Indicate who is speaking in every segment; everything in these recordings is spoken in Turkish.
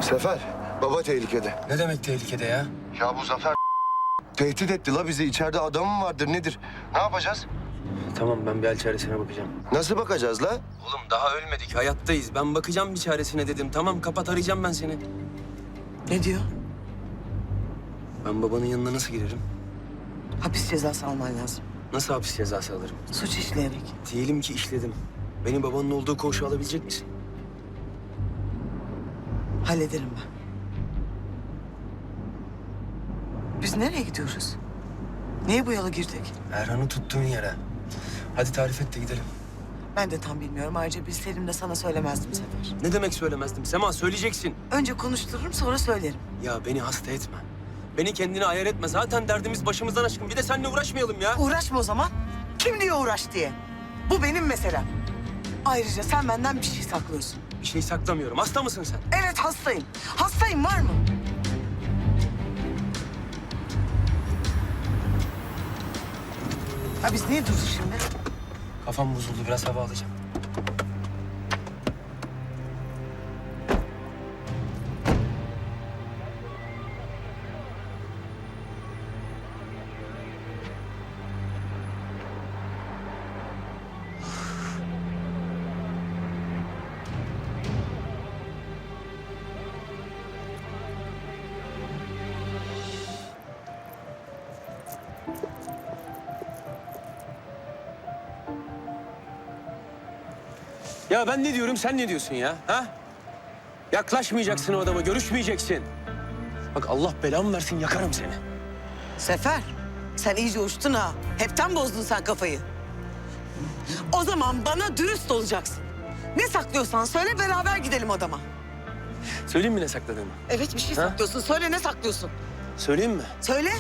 Speaker 1: Sefer, baba tehlikede.
Speaker 2: Ne demek tehlikede ya?
Speaker 1: Ya bu Zafer tehdit etti la bizi. İçeride adamı vardır nedir? Ne yapacağız?
Speaker 2: Tamam, ben bir hal çaresine bakacağım.
Speaker 1: Nasıl bakacağız la?
Speaker 2: Oğlum daha ölmedik, hayattayız. Ben bakacağım bir çaresine dedim. Tamam, kapat, arayacağım ben seni.
Speaker 3: Ne diyor?
Speaker 2: Ben babanın yanına nasıl girerim?
Speaker 3: Hapis cezası alman lazım.
Speaker 2: Nasıl hapis cezası alırım?
Speaker 3: Suç işleyerek.
Speaker 2: Diyelim ki işledim. Beni babanın olduğu koğuşa alabilecek misin?
Speaker 3: Hallederim ben. Biz nereye gidiyoruz? Niye bu yola girdik?
Speaker 2: Erhan'ı tuttuğun yere. Hadi tarif et de gidelim.
Speaker 3: Ben de tam bilmiyorum. Ayrıca bilseydim de sana söylemezdim Sefer.
Speaker 2: Ne demek söylemezdim? Sema, söyleyeceksin.
Speaker 3: Önce konuştururum sonra söylerim.
Speaker 2: Ya beni hasta etme. Beni kendine ayar etme. Zaten derdimiz başımızdan aşkın. Bir de seninle uğraşmayalım ya.
Speaker 3: Uğraşma o zaman. Kim diyor uğraş diye? Bu benim meselem. Ayrıca sen benden bir şey saklıyorsun.
Speaker 2: Bir şey saklamıyorum. Hasta mısın sen?
Speaker 3: Evet hastayım. Hastayım var mı? Ha biz niye durduk şimdi?
Speaker 2: Kafam bozuldu. Biraz hava alacağım. Ya ben ne diyorum, sen ne diyorsun ya? Ha? Yaklaşmayacaksın o adama, görüşmeyeceksin. Bak Allah belamı versin, yakarım seni.
Speaker 3: Sefer, sen iyice uçtun ha. Hepten bozdun sen kafayı. O zaman bana dürüst olacaksın. Ne saklıyorsan söyle, beraber gidelim adama.
Speaker 2: Söyleyeyim mi ne sakladığımı?
Speaker 3: Evet, bir şey
Speaker 2: Ha?
Speaker 3: saklıyorsun. Söyle, ne saklıyorsun?
Speaker 2: Söyleyeyim mi?
Speaker 3: Söyle.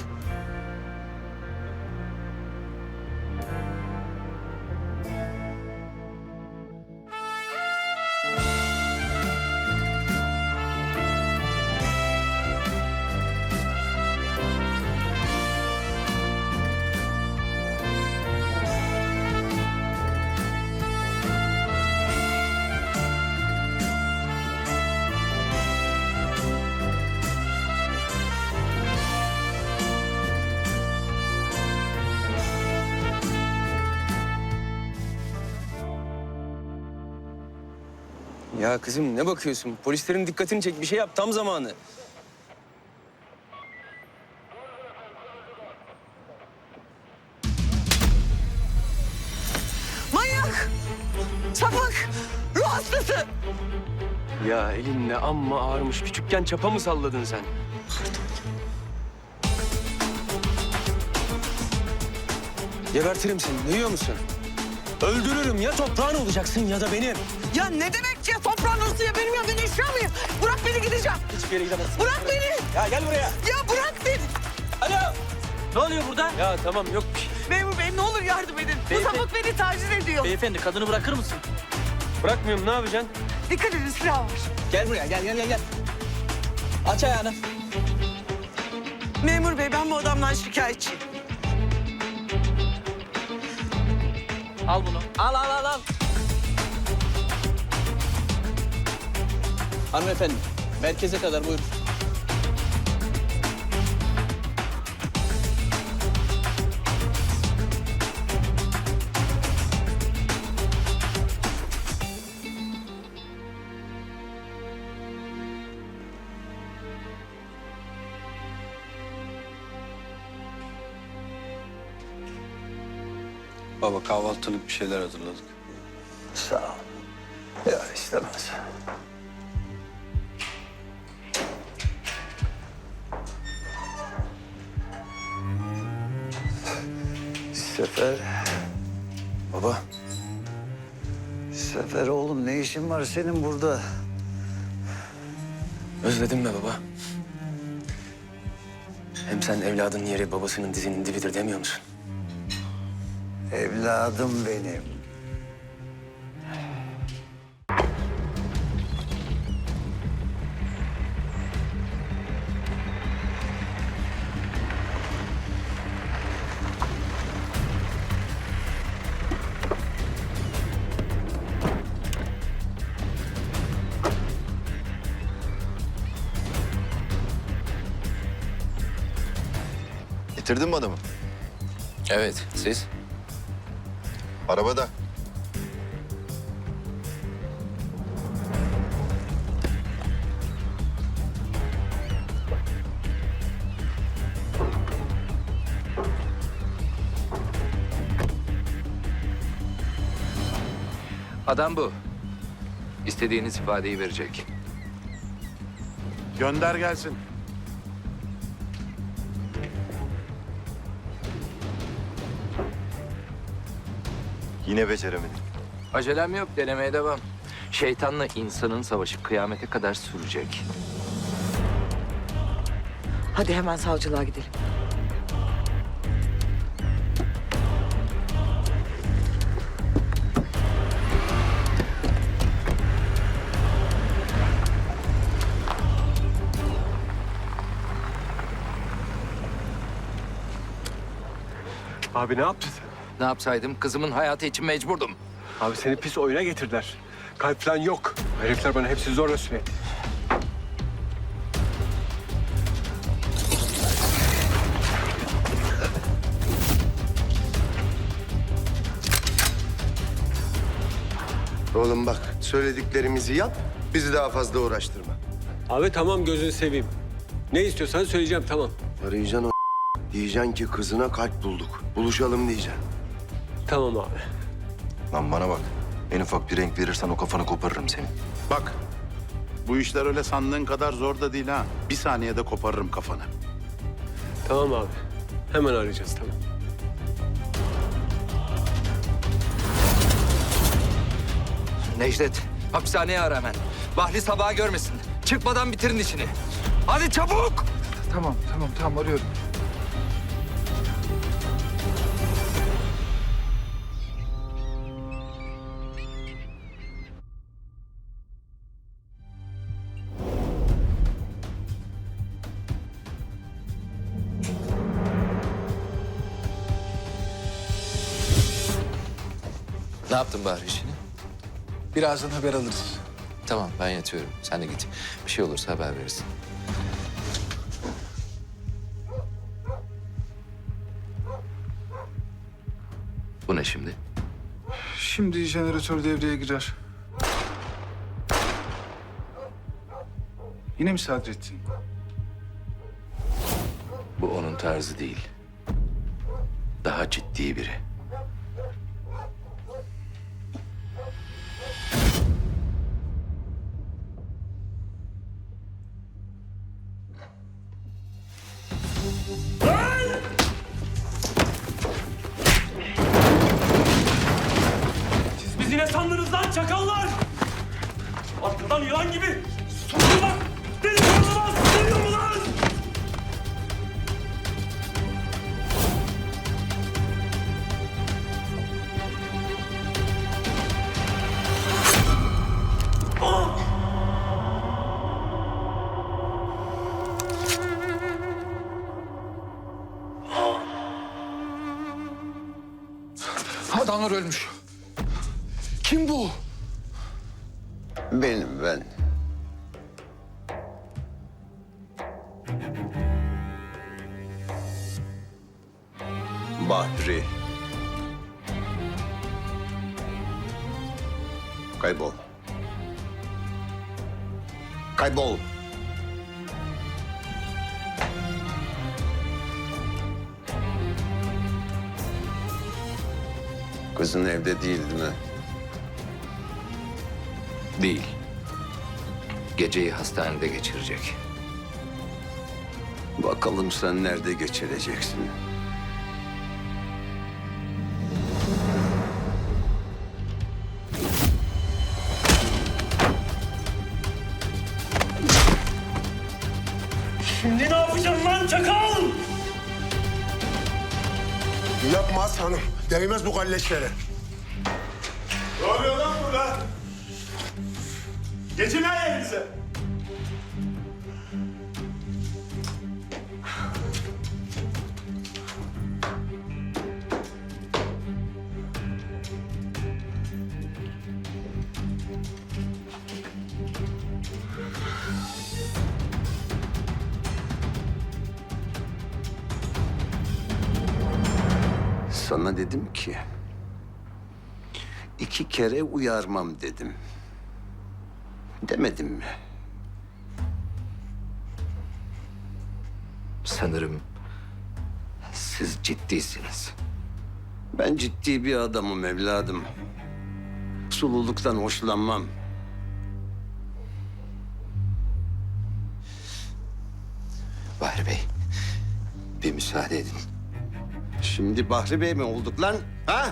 Speaker 2: Ya kızım ne bakıyorsun? Polislerin dikkatini çek, bir şey yap, tam zamanı.
Speaker 3: Manyak! Sapık! Ruh hastası!
Speaker 2: Ya elin ne amma ağırmış. Küçükken çapa mı salladın sen? Gebertirim seni, duyuyor musun? Öldürürüm, ya toprağın olacaksın ya da benim.
Speaker 3: Ya ne demek ya? Toprağın arası ya benim ya. Ben eşya mıyım? Bırak beni, gideceğim.
Speaker 2: Hiçbir yere gidemezsin.
Speaker 3: Bırak beni!
Speaker 2: Ya gel buraya.
Speaker 3: Ya bırak beni!
Speaker 2: Alo.
Speaker 4: Ne oluyor burada?
Speaker 2: Ya tamam, yok bir şey.
Speaker 3: Memur bey ne olur yardım edin. Bu
Speaker 4: Beyefendi-
Speaker 3: sapık beni taciz ediyor.
Speaker 4: Beyefendi kadını bırakır mısın?
Speaker 2: Bırakmıyorum, ne yapacaksın?
Speaker 3: Dikkat edin, silah var.
Speaker 4: Gel buraya gel. Aç ayağını.
Speaker 3: Memur bey ben bu adamdan şikayetçiyim.
Speaker 4: Al bunu. Al. Hanımefendi merkeze kadar buyurun.
Speaker 5: Baba kahvaltılık bir şeyler hazırladık.
Speaker 1: Sağ ol. Ya istemez. Sefer,
Speaker 2: Baba,
Speaker 6: Sefer oğlum ne işin var senin burada?
Speaker 2: özledin mi baba? Hem sen evladın yeri babasının dizinin dibidir demiyor musun?
Speaker 6: Evladım benim.
Speaker 7: Getirdin mi adamı?
Speaker 5: Evet, siz?
Speaker 7: Arabada.
Speaker 5: Adam bu. İstediğiniz ifadeyi verecek.
Speaker 8: Gönder gelsin.
Speaker 7: Yine beceremedik.
Speaker 5: Acelem yok, denemeye devam. Şeytanla insanın savaşı kıyamete kadar sürecek.
Speaker 3: Hadi hemen savcılığa gidelim.
Speaker 2: Abi ne yaptın sen?
Speaker 5: Ne yapsaydım? Kızımın hayatı için mecburdum.
Speaker 2: Abi seni pis oyuna getirdiler. Kalp falan yok. Herifler bana hepsi zorla söyledi.
Speaker 1: Oğlum bak, söylediklerimizi yap, bizi daha fazla uğraştırma.
Speaker 2: Abi tamam gözünü seveyim. Ne istiyorsan söyleyeceğim tamam.
Speaker 1: Arayacaksın o diyeceksin ki kızına kalp bulduk. Buluşalım diyeceksin.
Speaker 2: Tamam abi.
Speaker 7: Lan bana bak. En ufak bir renk verirsen o kafanı koparırım senin.
Speaker 8: Bak, bu işler öyle sandığın kadar zor da değil ha. Bir saniyede koparırım kafanı.
Speaker 2: Tamam abi. Hemen arayacağız tamam.
Speaker 5: Necdet, hapishaneye ara hemen. Bahri sabaha görmesin. Çıkmadan bitirin işini. Hadi çabuk! Tamam arıyorum. Ne yaptın Bahri işini?
Speaker 9: Birazdan haber alırız.
Speaker 5: Tamam, ben yatıyorum. Sen de git. Bir şey olursa haber verirsin. Bu ne şimdi?
Speaker 9: Şimdi jeneratör devreye girer. Yine mi Sadrettin?
Speaker 5: Bu onun tarzı değil. Daha ciddi biri.
Speaker 2: Biz yine sandınız lan çakallar! Arkadan yılan gibi! Sulun bak! Beni korlamaz! Duyuyor mu lan?
Speaker 9: Adamlar ölmüş. Kim bu?
Speaker 1: Benim ben. Bahri. Kaybol. Kaybol. Kızın evde değil mi?
Speaker 5: Değil. Geceyi hastanede geçirecek.
Speaker 1: Bakalım sen nerede geçireceksin?
Speaker 2: Şimdi ne yapacaksın lan çakal?
Speaker 10: Yapmaz hanım. Değmez bu kalleşlere.
Speaker 8: Ne oluyor lan burada? Geçin lan yerinize.
Speaker 6: Sana dedim ki 2 kere uyarmam dedim. Demedim mi?
Speaker 7: Sanırım
Speaker 6: Siz ciddisiniz. Ben ciddi bir adamım evladım. Sululuktan hoşlanmam.
Speaker 7: Bahri Bey, bir müsaade edin.
Speaker 6: Şimdi Bahri Bey mi olduk lan? Ha?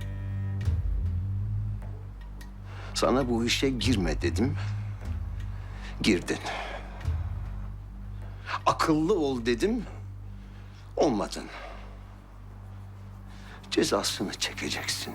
Speaker 6: Sana bu işe girme dedim. Girdin. Akıllı ol dedim. Olmadın. Cezasını çekeceksin.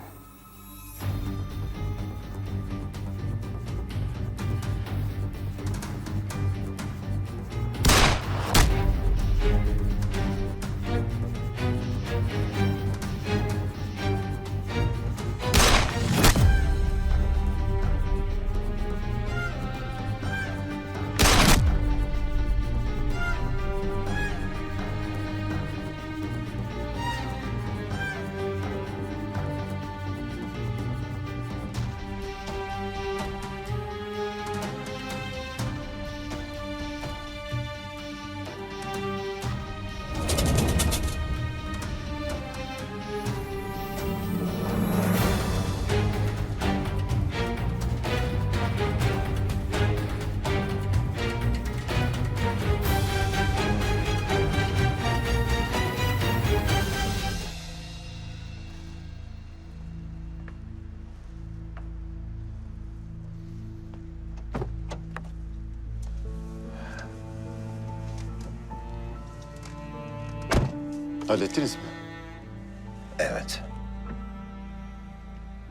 Speaker 8: Hallettiniz mi?
Speaker 6: Evet.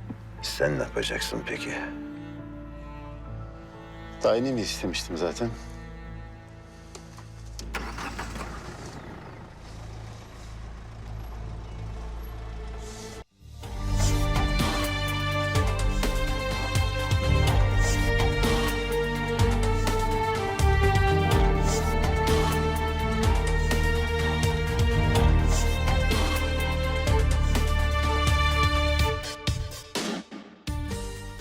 Speaker 6: Sen ne yapacaksın peki?
Speaker 8: Tayinimi istemiştim zaten.